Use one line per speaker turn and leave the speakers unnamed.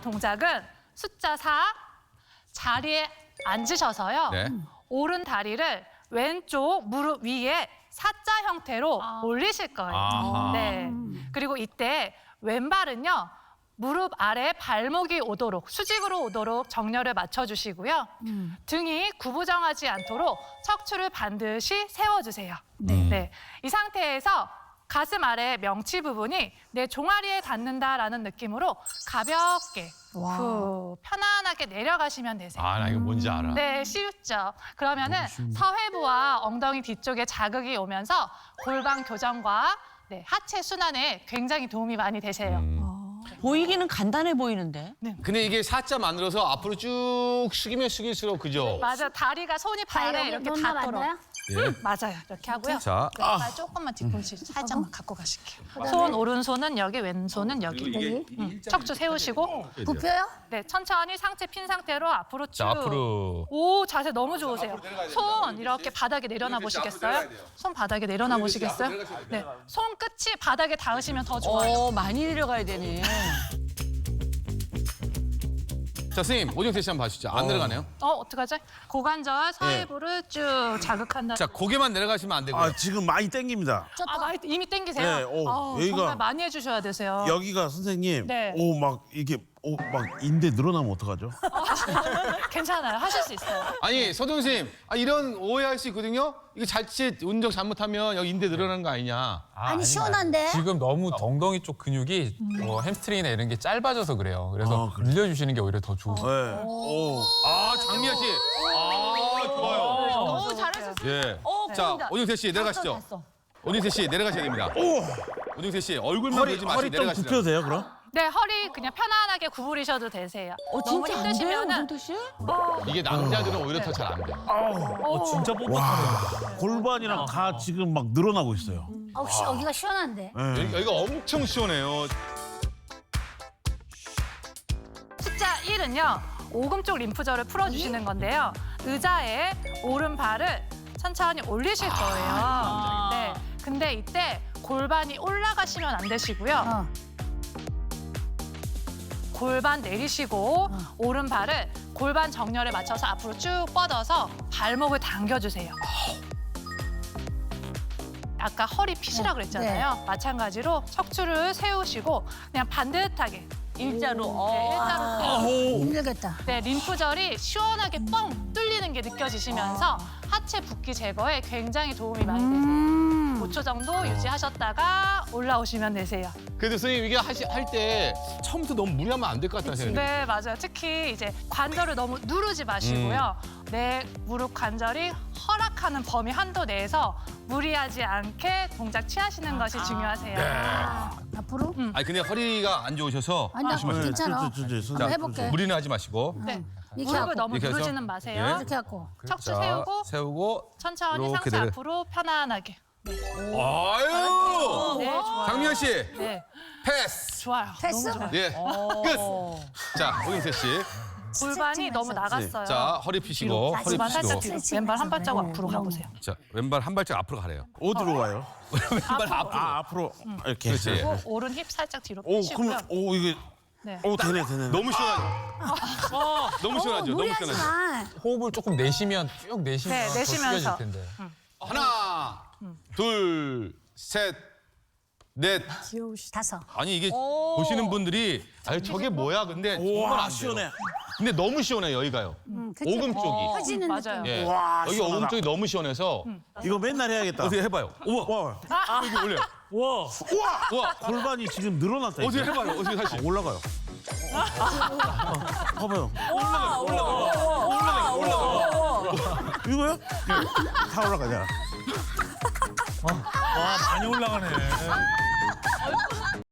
동작은 숫자 4, 자리에 앉으셔서요.
네.
오른 다리를 왼쪽 무릎 위에 사자 형태로 올리실 거예요.
아하.
네. 그리고 이때 왼발은요. 무릎 아래 발목이 오도록, 수직으로 오도록 정렬을 맞춰주시고요. 등이 구부정하지 않도록 척추를 반드시 세워주세요. 네. 이 상태에서 가슴 아래 명치 부분이 내 종아리에 닿는다라는 느낌으로 가볍게 후 편안하게 내려가시면 되세요.
아, 나 이거 뭔지 알아.
네, 쉽죠. 그러면은 서회부와 엉덩이 뒤쪽에 자극이 오면서 골반 교정과 하체 순환에 굉장히 도움이 많이 되세요.
보이기는 간단해 보이는데.
근데 이게 사자 만들어서 앞으로 쭉 숙이면 숙일수록 그죠?
맞아, 다리가 손이 발에 이렇게 닿도록.
맞나요?
예.
맞아요, 이렇게 하고요.
자,
발 조금만 뒤꿈치 살짝만 갖고 가실게요. 손 오른손은 여기, 왼손은 여기. 척추 세우시고,
굽혀요?
네, 천천히 상체 핀 상태로 앞으로 쭉.
자, 앞으로.
오, 자세 너무 좋으세요. 손 이렇게 바닥에 내려놔 보시겠어요? 손 바닥에 내려놔 보시겠어요? 네, 손 끝이 바닥에 닿으시면 더 좋아요.
많이 내려가야 되네.
자, 선생님, 오정태 씨 한번 봐주시죠. 안 내려가네요.
어떡하지? 고관절, 서해부를 쭉 자극한다.
자, 고개만 내려가시면 안 되고요.
아 지금 많이 땡깁니다.
많이 이미 땡기세요?
네, 여기가-
정말 많이 해주셔야 되세요.
여기가 선생님,
네.
오 막 이게 막 인대 늘어나면 어떡하죠?
괜찮아요. 하실 수 있어요.
아니, 서동 선생님, 이런 오해할 수 있거든요. 이거 자칫 운동 잘못하면 여기 인대 늘어나는 거 아니냐.
아니 시원한데?
지금 너무 엉덩이 쪽 근육이 햄스트링이나 이런 게 짧아져서 그래요. 그래서 늘려주시는 게 오히려 더 좋으세요.
네. 오.
아, 장미아 씨. 아, 좋아요.
너무 잘하셨어요.
예.
어,
자,
보인다.
오정태 씨 내려가시죠.
됐어.
오정태 씨 내려가셔야 됩니다. 오정태 씨 얼굴만
허리
보지 마시고
좀
내려가시죠.
굽혀도 돼요 그럼?
네, 허리 그냥 편안하게 구부리셔도 되세요. 너무
진짜 안 돼요,
힘드시면은
오정태 씨?
이게 남자들은 오히려 더 잘 안 돼.
진짜 뻣뻣하네요.
골반이랑 다 지금 막 늘어나고 있어요.
혹시 여기가 시원한데?
네.
여기가 엄청 시원해요.
숫자 1은요. 오금 쪽 림프절을 풀어주시는 건데요. 의자에 오른발을 천천히 올리실 거예요. 네. 근데 이때 골반이 올라가시면 안 되시고요. 골반 내리시고 오른발을 골반 정렬에 맞춰서 앞으로 쭉 뻗어서 발목을 당겨주세요. 아까 허리 핏이라 그랬잖아요. 마찬가지로 척추를 세우시고 그냥 반듯하게
일자로.
네, 일자로
힘들겠다.
네, 림프절이 시원하게 뻥 뚫리는 게 느껴지시면서 하체 붓기 제거에 굉장히 도움이 많이 되세요. 5초 정도 유지하셨다가 올라오시면 되세요.
그래도 선생님 이게 할 때 처음부터 너무 무리하면 안 될 것 같다는 생각이
네, 맞아요. 특히 이제 관절을 너무 누르지 마시고요. 내 무릎 관절이 허락하는 범위 한도 내에서 무리하지 않게 동작 취하시는 것이 중요하세요.
앞으로?
아니 근데 허리가 안 좋으셔서
아니 나 괜찮아.
자,
해볼게.
무리는 하지 마시고.
네.
이렇게
무릎을
하고.
너무
이렇게 해서?
누르지는 마세요.
예.
이렇게 하고.
척추
자,
세우고
세우고
천천히
이렇게
상체
내려.
앞으로 편안하게.
아유!
네, 좋아요.
장미아 씨
네,
패스.
좋아요.
패스?
예. 끝. 자, 오정태 씨.
골반이 너무 나갔어요.
자, 허리 펴시고 허리
골반 살짝
펴시고.
뒤로. 왼발 한 발자국 앞으로 가보세요.
자, 왼발 한 발짝 앞으로 가래요.
어디로 가요?
왼발 앞으로.
아 앞으로 이렇게.
그렇지.
그리고 오른 힙 살짝 뒤로
오
빼시고요.
그럼 오 이게
네.
오 되네.
너무 시원하죠? 너무 시원하죠? 너무
무리하지
시원하죠?
마.
호흡을 조금 내쉬면 쭉 내쉬면
네,
더
내쉬면서.
숙여질 텐데.
하나, 둘, 셋, 넷.
다섯.
아니 이게 보시는 분들이 저게 뭐야? 근데 정말 안
와
돼요.
시원해.
근데 너무 시원해 여기가요.
그치?
오금 쪽이.
펴지는
맞아요.
느낌.
예.
와,
여기
시원하다.
오금 쪽이 너무 시원해서
이거 맨날 해야겠다.
어떻게 해봐요. 우와.
와
여기 올려. 우와.
골반이 지금 늘어났다.
어떻게
이제.
해봐요. 어떻게 다시.
올라가요. 봐봐요. 이거요? 다 올라가잖아.
와, 많이 올라가네.